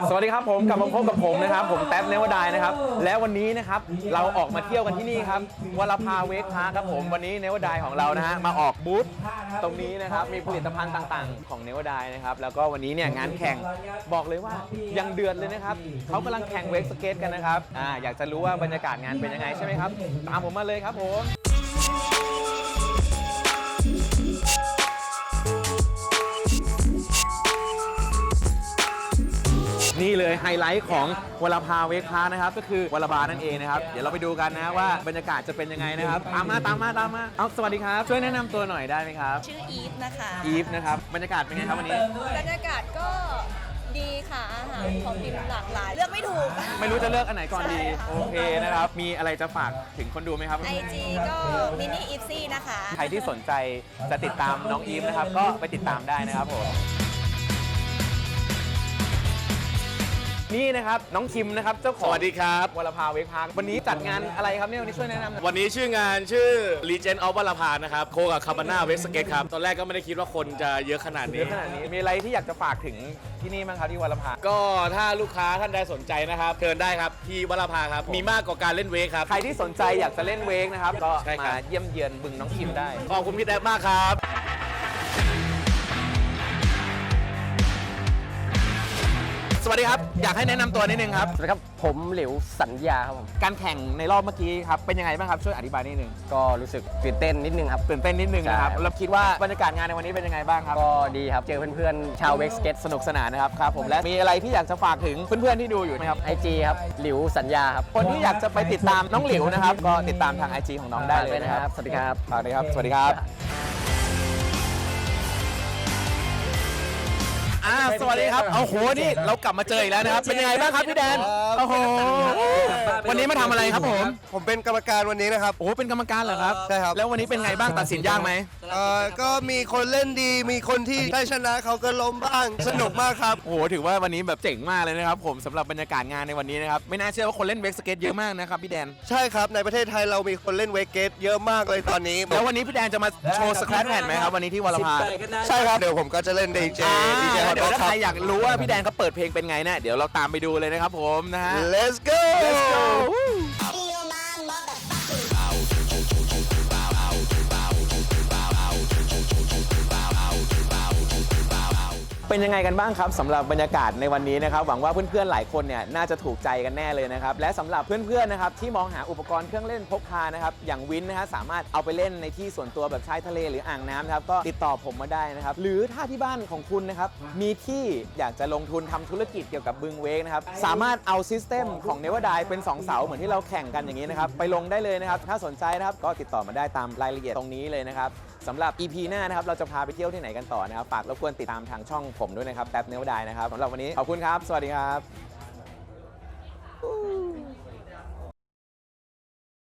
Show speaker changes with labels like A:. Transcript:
A: สวัสดีครับผมกลับมาพบกับผมนะครับผมแท็บเนวดายนะครับและวันนี้นะครับเราออกมาเที่ยวกันที่นี่ครับวลภาเวกพาร์คครับผมวันนี้เนวดายของเรานะฮะมาออกบูธตรงนี้นะครับมีผลิตภัณฑ์ต่างๆของเนวดายนะครับแล้วก็วันนี้เนี่ยงานแข่งบอกเลยว่ายังเดือดเลยนะครับเขากำลังแข่งเวกสเก็ตกันนะครับอยากจะรู้ว่าบรรยากาศงานเป็นยังไงใช่ไหมครับตามผมมาเลยครับผมนี่เลยไฮไลท์ของวลภาเวกพาร์คนะครับก็คือวลบานั่นเองนะครับเดี๋ยวเราไปดูกันนะว่าบรรยากาศจะเป็นยังไงนะครับตามมาเอาสวัสดีครับช่วยแนะนำตัวหน่อยได้ไหมครับ
B: ชื่ออีฟนะคะ
A: อีฟนะครับบรรยากาศเป็นไงครับวันนี้
B: บรรยากาศก็ดีค่ะอาหารของกินหลากหลายเลือกไม่ถูก
A: ไม่รู้จะเลือกอันไหนก่อนดีโอเคนะครับมีอะไรจะฝากถึงคนดูไหมครับ
B: IG ก็มินิอีฟซี่นะคะ
A: ใครที่สนใจจะติดตามน้องอีฟนะครับก็ไปติดตามได้นะครับผมนี่นะครับน้องคิมนะครับเจ้าของ
C: สวัสดีครับ
A: วลภาเวกพาร์ควันนี้จัดงานอะไรครับเนี่ยวันนี้ช่วยแนะนำ
C: วันนี้ชื่องานชื่อ Legend of วลภานะครับโคกับคาบาน่าเวสเกตครับตอนแรกก็ไม่ได้คิดว่าคนจะเยอะขนาดนี้
A: มีอะไรที่อยากจะฝากถึงที่นี่บ้างครับที่วลภา
C: ก็ถ้าลูกค้าท่านใดสนใจนะครับเชิญได้ครับที่วลภาครับมีมากกว่าการเล่นเวกครับ
A: ใครที่สนใจอยากจะเล่นเวกนะครับก็มาเยี่ยมเยือนบึงน้องคิมได้
C: ขอบคุณพี่แด๊บมากครับ
A: สวัสดีครับอยากให้แนะนำตัวนิดนึงครับ
D: สวัสดีครับผมหลิวสัญญาครับผม
A: การแข่งในรอบเมื่อกี้ครับเป็นยังไงบ้างครับช่วยอธิบายนิดนึง
D: ก็รู้สึกตื่นเต้นนิดนึงครับ
A: ตื่นเต้นนิดนึงนะครับเราคิดว่าบรรยากาศงานในวันนี้เป็นยังไงบ้างครับ
D: ก็ดีครับเจอเพื่อนๆชาวเวกสเก็ต
A: สนุกสนานนะครับครับผมและมีอะไรที่อยากจะฝากถึงเพื่อนๆที่ดูอยู่นะครับ
D: IG ครับหลิวสัญญาครับ
A: คนที่อยากจะไปติดตามน้องหลิวนะครับก็ติดตามทาง IG ของน้องได้เลยนะครับ
D: สวัสดีครับ
A: ฝากเลยครับสวัสดีครับสวัสดีครับโอ้โหนี่เรากลับมาเจออีกแล้วนะครับเป็นยังไงบ้างครับพี่แดนโอ้โหวันนี้มาทำอะไรครับผม
E: เป็นกรรมการวันนี้นะครับ
A: โอ้เป็นกรรมการเหรอครับ
E: ใช่ครับ
A: แล้ววันนี้เป็นไงบ้างตัดสินยากไหม
E: ก็มีคนเล่นดีมีคนที่ได้ชนะเขาก็ล้มบ้างสนุกมากครับ
A: โอ้โหถือว่าวันนี้แบบเจ๋งมากเลยนะครับผมสำหรับบรรยากาศงานในวันนี้นะครับไม่น่าเชื่อว่าคนเล่นเวกสเก็ตเยอะมากนะครับพี่แดน
E: ใช่ครับในประเทศไทยเรามีคนเล่นเวกเก็ตเยอะมากเลยตอนนี้
A: แล้ววันนี้พี่แดนจะมาโชว์สแครปแผ่นไหมครับวันนี้ที่วลภา
E: ใช่ครับเดี๋ยวผมก็จะเล่นดีเจ
A: เดี๋ยวถ้าใครอยากรู้ว่าพี่แดนเขาเปิดเพลงเป็นไงเนี่ยเดี๋ยวเราตามไปดูเลยนะครับผมนะฮะ
E: Let's go
A: เป็นยังไงกันบ้างครับสำหรับบรรยากาศในวันนี้นะครับหวังว่าเพื่อนๆหลายคนเนี่ยน่าจะถูกใจกันแน่เลยนะครับและสำหรับเพื่อนๆนะครับที่มองหาอุปกรณ์เครื่องเล่นพกพานะครับอย่างวินนะฮะสามารถเอาไปเล่นในที่ส่วนตัวแบบชายทะเลหรืออ่างน้ำนะครับก็ติดต่อผมมาได้นะครับหรือถ้าที่บ้านของคุณนะครับมีที่อยากจะลงทุนทำธุรกิจเกี่ยวกับบึงเวกนะครับสามารถเอาซิสเต็มของเนวดายเป็น2เสาเหมือนที่เราแข่งกันอย่างนี้นะครับไปลงได้เลยนะครับถ้าสนใจนะครับก็ติดต่อมาได้ตามรายละเอียดตรงนี้เลยนะครับสำหรับ EP หน้านะครับเราจะพาไปเที่ยวที่ไหนกันต่อนะครับฝากรบกวนติดตามทางช่องผมด้วยนะครับแท็บเนวดายนะครับสำหรับวันนี้ขอบคุณครับสวัสดีครับ